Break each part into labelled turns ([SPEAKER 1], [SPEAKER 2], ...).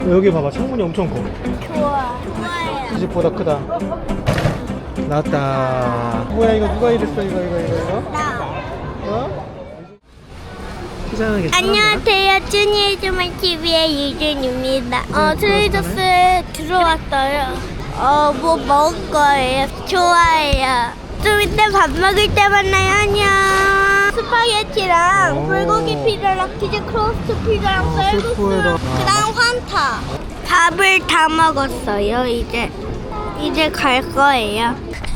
[SPEAKER 1] 여기 봐봐, 창문이 엄청 커.
[SPEAKER 2] 좋아요.
[SPEAKER 1] 이 집보다 크다. 나왔다. 뭐야, 이거 누가 이랬어? 이거?
[SPEAKER 2] 나.
[SPEAKER 1] 어? 시장하게.
[SPEAKER 2] 안녕하세요. 준이의 주말 TV의 유준입니다. 트레이더스에 들어왔어요. 뭐 먹을 거예요? 좋아해요. 좀 이따 밥 먹을 때 만나요. 안녕. 스파게티랑
[SPEAKER 1] 오.
[SPEAKER 2] 불고기 피자랑 치즈 크로스트 피자랑 쌀국수,
[SPEAKER 1] 스프에다.
[SPEAKER 2] 그다음 환타. 밥을 다 먹었어요. 이제 갈 거예요.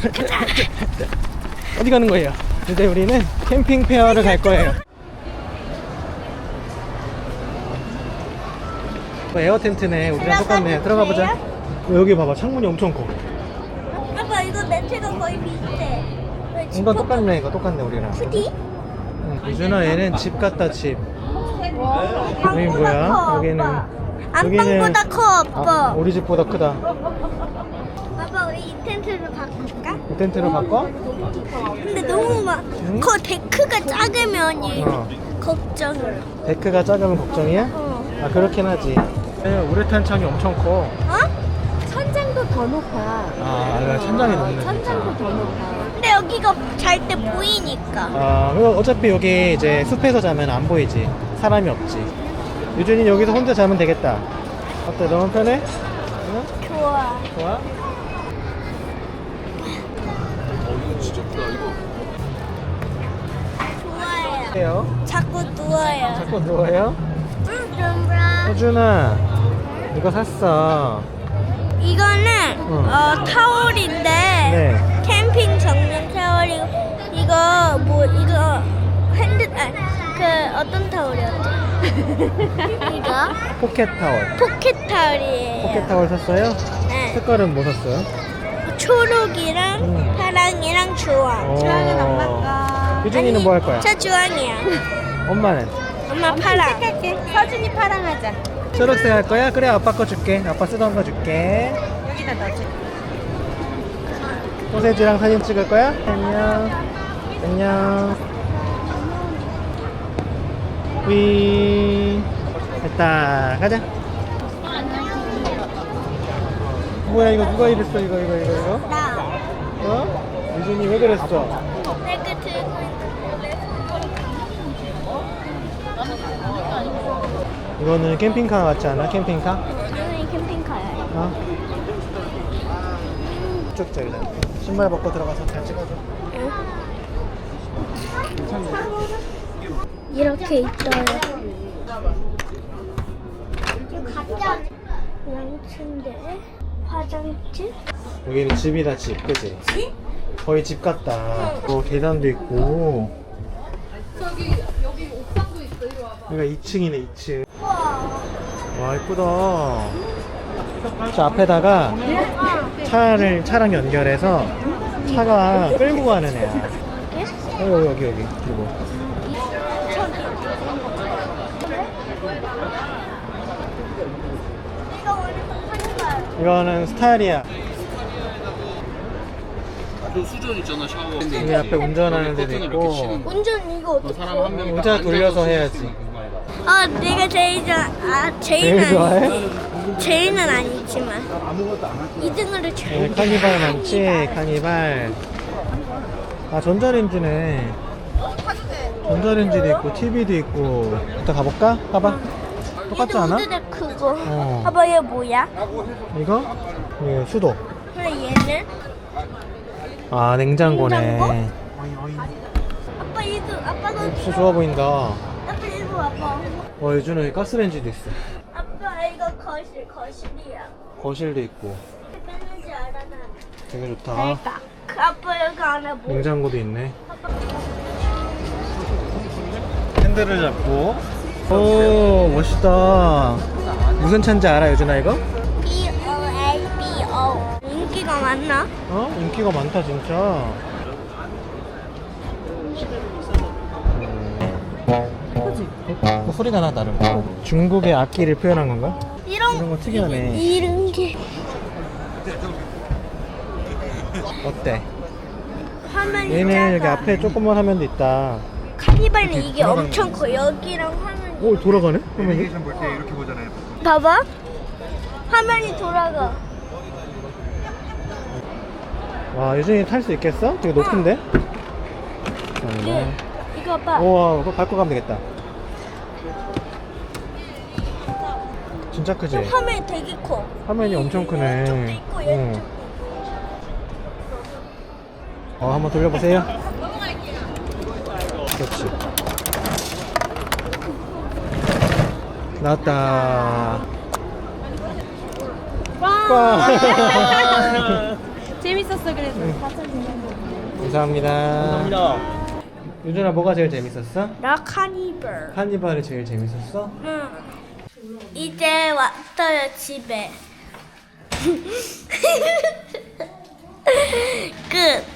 [SPEAKER 1] 어디 가는 거예요? 이제 우리는 캠핑 페어를 갈 거예요. 에어 텐트네. 우리랑 똑같네. 들어가 보자. 여기 봐봐, 창문이 엄청 커.
[SPEAKER 2] 아빠 이거 매트가 거의 비슷해.
[SPEAKER 1] 이건 똑같네. 이거 똑같네, 우리랑.
[SPEAKER 2] 푸디?
[SPEAKER 1] 유준아, 얘는 집 같다, 집. 여기 뭐야? 여기는
[SPEAKER 2] 안방보다 커, 아빠.
[SPEAKER 1] 우리 집보다 크다.
[SPEAKER 2] 아빠 우리 이 텐트를 바꿀까?
[SPEAKER 1] 이 텐트로 바꿔?
[SPEAKER 2] 근데 너무 막
[SPEAKER 1] 응?
[SPEAKER 2] 그 데크가 작으면
[SPEAKER 1] 어.
[SPEAKER 2] 걱정을.
[SPEAKER 1] 데크가 작으면 걱정이야? 아, 그렇긴 하지. 우레탄 창이 엄청 커.
[SPEAKER 2] 어?
[SPEAKER 3] 천장도 더 높아.
[SPEAKER 1] 아, 천장이 높네.
[SPEAKER 3] 천장도 더 높아.
[SPEAKER 2] 근데 여기가 잘 때 보이니까.
[SPEAKER 1] 아, 그리고 어차피 여기 이제 숲에서 자면 안 보이지. 사람이 없지. 유준이 여기서 혼자 자면 되겠다. 어때? 너무 편해? 응?
[SPEAKER 2] 좋아.
[SPEAKER 1] 좋아?
[SPEAKER 2] 좋아요.
[SPEAKER 1] 해요.
[SPEAKER 2] 자꾸 누워요.
[SPEAKER 1] 자꾸 누워요?
[SPEAKER 2] 좀
[SPEAKER 1] 호준아, 이거 샀어.
[SPEAKER 2] 이거는 타월인데
[SPEAKER 1] 네.
[SPEAKER 2] 캠핑 전용 타월이고 이거 그 어떤 타월이었지? 이거
[SPEAKER 1] 포켓 타월.
[SPEAKER 2] 포켓 타월이에요.
[SPEAKER 1] 포켓 타월 샀어요?
[SPEAKER 2] 네.
[SPEAKER 1] 색깔은 뭐 샀어요?
[SPEAKER 2] 초록이랑 파랑이랑 주황.
[SPEAKER 3] 주황은 엄마가.
[SPEAKER 1] 유준이는 뭐 할 거야?
[SPEAKER 2] 저 주황이야.
[SPEAKER 1] 엄마는?
[SPEAKER 2] 엄마 파랑.
[SPEAKER 3] 색깔게. 서준이 파랑하자.
[SPEAKER 1] 초록색 할 거야? 그래, 아빠 거 줄게. 아빠 쓰던 거 줄게.
[SPEAKER 3] 여기다 넣어줘.
[SPEAKER 1] 소세지랑 사진 찍을 거야? 안녕. 안녕. 위. 됐다. 가자. 뭐야, 이거 누가 이랬어? 이거?
[SPEAKER 2] 나.
[SPEAKER 1] 어? 유준이 왜 그랬어?
[SPEAKER 2] 내가 들고 있는데.
[SPEAKER 1] 이거는 캠핑카 같지 않아? 캠핑카?
[SPEAKER 2] 이거는 캠핑카야.
[SPEAKER 1] 어? 쭉 저기다. 신발 벗고 들어가서 잘 찍어줘.
[SPEAKER 2] 이렇게 있어요. 양침대, 화장실.
[SPEAKER 1] 여기는 집이다, 집. 그치?
[SPEAKER 2] 집?
[SPEAKER 1] 거의 집 같다. 계단도 있고. 여기가 2층이네, 2층. 와, 이쁘다. 저 앞에다가 차랑 연결해서 차가 끌고 가는 애야. 여기. 그리고.
[SPEAKER 2] 이거 원래 한발.
[SPEAKER 1] 이거는 스타일이야.
[SPEAKER 4] 그 수전 있잖아, 샤워.
[SPEAKER 1] 여기 앞에 운전하는 데도 있고.
[SPEAKER 2] 운전 이거 어떻게?
[SPEAKER 4] 사람 한 명.
[SPEAKER 1] 의자 돌려서 해야지.
[SPEAKER 2] 내가 제일 좋아.
[SPEAKER 1] 제일 좋아해?
[SPEAKER 2] 제일은 아니지만 2등으로 제일.
[SPEAKER 1] 여기 카니발 많지? 카니발. 아, 전자레인지네. 전자레인지도 있고, TV도 있고. 이따 가볼까? 가봐. 똑같지 않아?
[SPEAKER 2] 얘도 크고.
[SPEAKER 1] 어.
[SPEAKER 2] 봐봐 얘 뭐야?
[SPEAKER 1] 이거? 이거 수도.
[SPEAKER 2] 그래 얘는?
[SPEAKER 1] 아, 냉장고네.
[SPEAKER 2] 아빠 이거 아빠가
[SPEAKER 1] 진짜 좋아 보인다.
[SPEAKER 2] 아빠 이거 아빠.
[SPEAKER 1] 요즘은 여기 가스레인지도 있어.
[SPEAKER 2] 아빠 이거 거실이야.
[SPEAKER 1] 거실도 있고.
[SPEAKER 2] 뺐는지 알아 나.
[SPEAKER 1] 되게 좋다.
[SPEAKER 2] 그러니까 그 아빠 여기 안에 뭐?
[SPEAKER 1] 냉장고도 있네. 핸들을 잡고. 오, 멋있다. 무슨 차인지 알아, 유준아, 이거?
[SPEAKER 2] BOLBO. 인기가 많나?
[SPEAKER 1] 인기가 많다, 진짜. 그지? 소리가 나, 다른 거. 중국의 악기를 표현한 건가? 이런 거 특이하네.
[SPEAKER 2] 이런 게
[SPEAKER 1] 어때?
[SPEAKER 2] 화면이
[SPEAKER 1] 얘는 여기
[SPEAKER 2] 작아.
[SPEAKER 1] 앞에 조그만 화면도 있다.
[SPEAKER 2] 카니발은 이게 엄청 커. 여기랑 화면이.
[SPEAKER 1] 오, 돌아가네? 화면이?
[SPEAKER 2] 봐봐. 화면이 돌아가.
[SPEAKER 1] 와, 유준이 탈 수 있겠어? 되게 높은데?
[SPEAKER 2] 네. 이거 봐.
[SPEAKER 1] 우와, 그거 밟고 가면 되겠다. 진짜 크지?
[SPEAKER 2] 화면이 되게 커.
[SPEAKER 1] 화면이 엄청 크네.
[SPEAKER 2] 이쪽도 있고
[SPEAKER 1] 응.
[SPEAKER 2] 이쪽도 있고.
[SPEAKER 1] 한번 돌려보세요. 그렇지. 나왔다. 와.
[SPEAKER 3] 재밌었어 그래도.
[SPEAKER 1] 감사합니다. 유준아, 뭐가 제일 재밌었어?
[SPEAKER 2] 나 카니발.
[SPEAKER 1] 카니발이 제일 재밌었어?
[SPEAKER 2] 응. 이제 왔어요 집에. 끝.